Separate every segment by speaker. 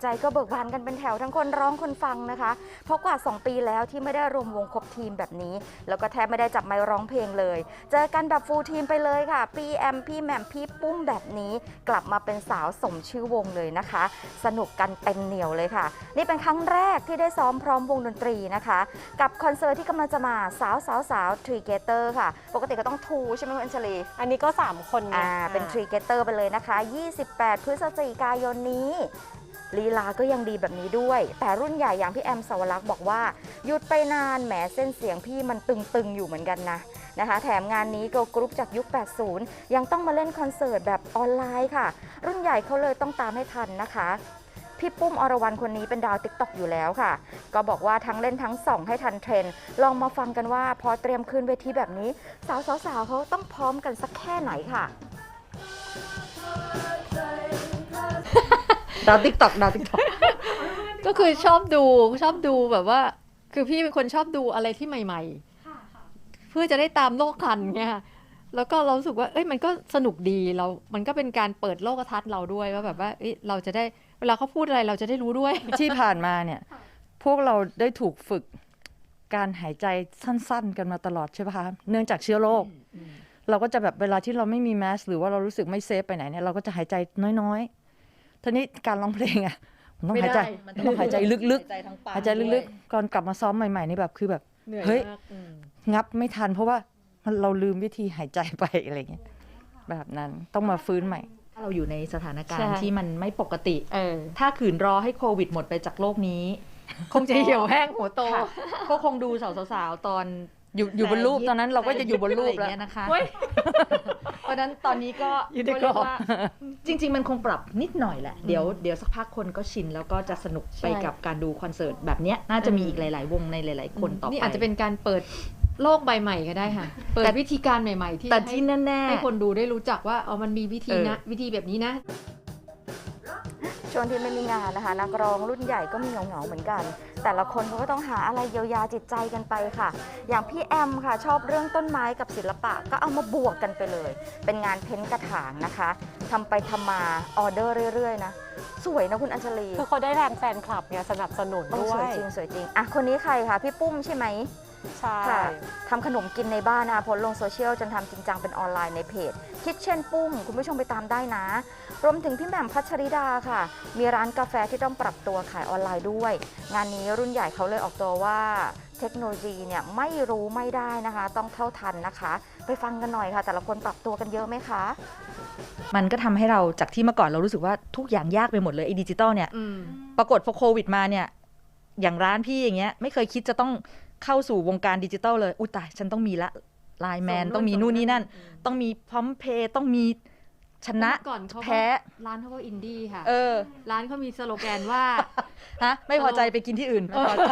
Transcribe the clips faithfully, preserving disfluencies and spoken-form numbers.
Speaker 1: ใจก็เบิกบานกันเป็นแถวทั้งคนร้องคนฟังนะคะเพราะกว่าสองปีแล้วที่ไม่ได้รวมวงครบทีมแบบนี้แล้วก็แทบไม่ได้จับไมค์ร้องเพลงเลยเจอกันแบบฟูลทีมไปเลยค่ะพี่แอมพี่แหม่มพี่ปุ้มแบบนี้กลับมาเป็นสาวสมชื่อวงเลยนะคะสนุกกันเต็มเหนียวเลยค่ะนี่เป็นครั้งแรกที่ได้ซ้อมพร้อมวงดนตรีนะคะกับคอนเสิร์ตที่กำลังจะมาสาวสาวสาวทรีเกเตอร์ค่ะปกติก็ต้องทูใช่ไหมคุณอัญชลี
Speaker 2: อันนี้ก็สามคน
Speaker 1: อ่าเป็นทรีเกเตอร์ไปเลยนะคะยี่สิบแปดพฤศจิกายนนี้ลีลาก็ยังดีแบบนี้ด้วยแต่รุ่นใหญ่อย่างพี่แอมสาวรักษ์บอกว่าหยุดไปนานแหมเส้นเสียงพี่มันตึงๆอยู่เหมือนกันนะนะคะแถมงานนี้เกิร์ลกรุ๊ปจากยุคแปดสิบยังต้องมาเล่นคอนเสิร์ตแบบออนไลน์ค่ะรุ่นใหญ่เขาเลยต้องตามให้ทันนะคะพี่ปุ้มอรวรรณคนนี้เป็นดาวติ๊กต็อกอยู่แล้วค่ะก็บอกว่าทั้งเล่นทั้งส่องให้ทันเทรนด์ลองมาฟังกันว่าพอเตรียมขึ้นเวทีแบบนี้สาวๆๆเขาต้องพร้อมกันสักแค่ไหนค่ะ
Speaker 3: ดาวติ๊กต็อกดาวติ๊กต็อก
Speaker 4: ก็คือชอบดูชอบดูแบบว่าคือพี่เป็นคนชอบดูอะไรที่ใหม่ๆเพื่อจะได้ตามโลกทันไงแล้วก็เรารู้สึกว่าเอ้ยมันก็สนุกดีเรามันก็เป็นการเปิดโลกทัศน์เราด้วยว่าแบบว่าเอ้ยเราจะได้เวลาเขาพูดอะไรเราจะได้รู้ด้วย
Speaker 3: ที่ผ่านมาเนี่ยพวกเราได้ถูกฝึกการหายใจสั้นๆกันมาตลอดใช่ป่ะคะเนื่องจากเชื้อโรคเราก็จะแบบเวลาที่เราไม่มีแมสหรือว่าเรารู้สึกไม่เซฟไปไหนเนี่ยเราก็จะหายใจน้อยๆทีนี้การร้องเพลงอ่ะมันต้องหายใจมันต้องหายใจลึกๆหายใจลึกๆก่อนกลับมาซ้อมใหม่ๆนี่แบบคือแบบเฮ้ยงับไม่ทันเพราะว่าเราลืมวิธีหายใจไปอะไรเงี้ยแบบนั้นต้องมาฟื้นใหม่
Speaker 5: ถ้าเราอยู่ในสถานการณ์ที่มันไม่ปกติ
Speaker 4: เออ
Speaker 5: ถ้าขืนรอให้โควิดหมดไปจากโลกนี้
Speaker 4: คงจะเหี่ยวแห้งหัวโต
Speaker 5: ก็คงดูสาวๆตอน
Speaker 3: อยู่อยู่บนรูปตอนนั้นเราก็จะอยู่บนรูปแล้ว
Speaker 5: นะคะเพราะนั้นตอนนี้ก็
Speaker 3: อยู่ในกรอบ
Speaker 5: จริงๆมันคงปรับนิดหน่อยแหละเดี๋ยวเดี๋ยวสักพักคนก็ชินแล้วก็จะสนุกไปกับการดูคอนเสิร์ตแบบนี้น่าจะมีอีกหลายๆวงในหลายๆคนต่อไป
Speaker 4: นี่อาจจะเป็นการเปิดโลกใบใหม่ก็ได้ค่ะเปิดวิธีการใหม่ๆที่
Speaker 5: แต่ที่แน่ๆ
Speaker 4: ให้คนดูได้รู้จักว่าอ๋อมันมีวิธีนะวิธีแบบนี้นะ
Speaker 1: ช่วงที่ไม่มีงานนะคะนักร้องรุ่นใหญ่ก็มีเหงาๆเหมือนกันแต่ละคนเขาก็ต้องหาอะไรเยียวยาจิตใจกันไปค่ะอย่างพี่แอมค่ะชอบเรื่องต้นไม้กับศิลปะก็เอามาบวกกันไปเลยเป็นงานเพ้นท์กระถางนะคะทำไปทำมาออเดอร์เรื่อยๆนะสวยนะคุณอัญชลี
Speaker 2: คือเขาได้แรงแฟนคลับเนี่ยสนับสนุนด้วย
Speaker 1: สวยจริงสวยจริงอ่ะคนนี้ใครคะพี่ปุ้มใช่ไหม
Speaker 2: ใช่
Speaker 1: ค่ะทำขนมกินในบ้านนะคะโพสต์ลงโซเชียลจนทำจริงจังเป็นออนไลน์ในเพจคิทเช่นปุ้มคุณผู้ชมไปตามได้นะรวมถึงพี่แหม่มพัชริดาค่ะมีร้านกาแฟที่ต้องปรับตัวขายออนไลน์ด้วยงานนี้รุ่นใหญ่เขาเลยออกตัวว่าเทคโนโลยีเนี่ยไม่รู้ไม่ได้นะคะต้องเท่าทันนะคะไปฟังกันหน่อยค่ะแต่ละคนปรับตัวกันเยอะไหมคะ
Speaker 5: มันก็ทำให้เราจากที่เมื่อก่อนเรารู้สึกว่าทุกอย่างยากไปหมดเลยไอ้ดิจิตอลเนี่ยปรากฏพอโควิดมาเนี่ยอย่างร้านพี่อย่างเงี้ยไม่เคยคิดจะต้องเข้าสู่วงการดิจิตอลเลยอุ้ยตายฉันต้องมีละไลน์แมนต้องมีนู่นนี่นั่นต้องมีพร้อมเพย์ต้องมีชนะแพ้
Speaker 4: ร้านเขาก็อินดี้ค่ะ
Speaker 5: เออ
Speaker 4: ร้านเขามีสโลแกนว่า
Speaker 5: ฮะไม่พอใจไปกินที่อื่น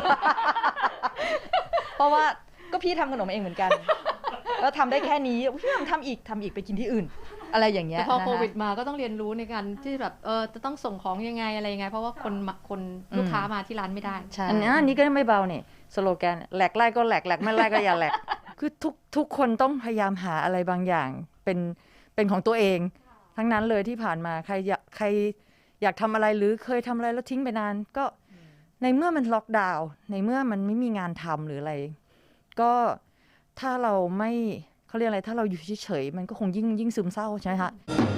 Speaker 5: เพราะว่าก็พี่ทำขนมเองเหมือนกันแล้วทำได้แค่นี้พี่ทำทำอีกทำอีกไปกินที่อื่นอะไรอย่างเงี้ย
Speaker 4: แต่พอโควิดมาก็ต้องเรียนรู้ในการที่แบบเออจะต้องส่งของยังไงอะไรยังไงเพราะว่าคนคนลูกค้ามาที่ร้านไม่ได้
Speaker 3: อันนี้อันนี้ก็ไม่เบาเนี่ยสโลแกนแหลกไล่ก็แหลกแหลกไม่ไล่ก็อย่าแหลกคือทุกทุกคนต้องพยายามหาอะไรบางอย่างเป็นเป็นของตัวเองทั้งนั้นเลยที่ผ่านมาใครอยากใครอยากทำอะไรหรือเคยทำอะไรแล้วทิ้งไปนานก็ในเมื่อมันล็อกดาวน์ในเมื่อมันไม่มีงานทำหรืออะไรก็ถ้าเราไม่เขาเรียกอะไรถ้าเราอยู่เฉยๆมันก็คงยิ่งยิ่งซึมเศร้าใช่ไหมคะ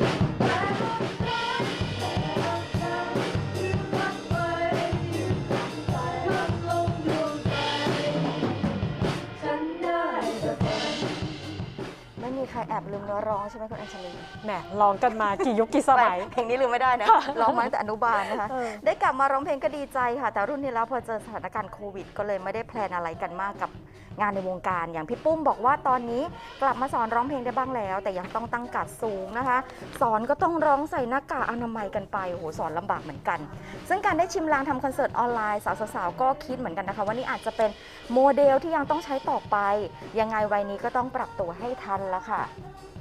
Speaker 1: ใครแอบลืมเนื้อร้องใช่ไหมคุณอัญชลี
Speaker 2: แหมร้องกันมากี่ยุคกี่สมัย
Speaker 1: เพลงนี้ลืมไม่ได้นะร้องมาตั้งแต่อนุบาลนะคะได้กลับมาร้องเพลงก็ดีใจค่ะแต่รุ่นนี้แล้วพอเจอสถานการณ์โควิดก็เลยไม่ได้แพลนอะไรกันมากกับงานในวงการอย่างพี่ปุ้มบอกว่าตอนนี้กลับมาสอนร้องเพลงได้บ้างแล้วแต่ยังต้องตั้งการ์ดสูงนะคะสอนก็ต้องร้องใส่หน้ากากอนามัยกันไปโอ้โหสอนลำบากเหมือนกันซึ่งการได้ชิมลางทำคอนเสิร์ตออนไลน์สาวๆก็คิดเหมือนกันนะคะว่านี่อาจจะเป็นโมเดลที่ยังต้องใช้ต่อไปยังไงวัยนี้ก็ต้องปรับตัวให้ทันละค่ะ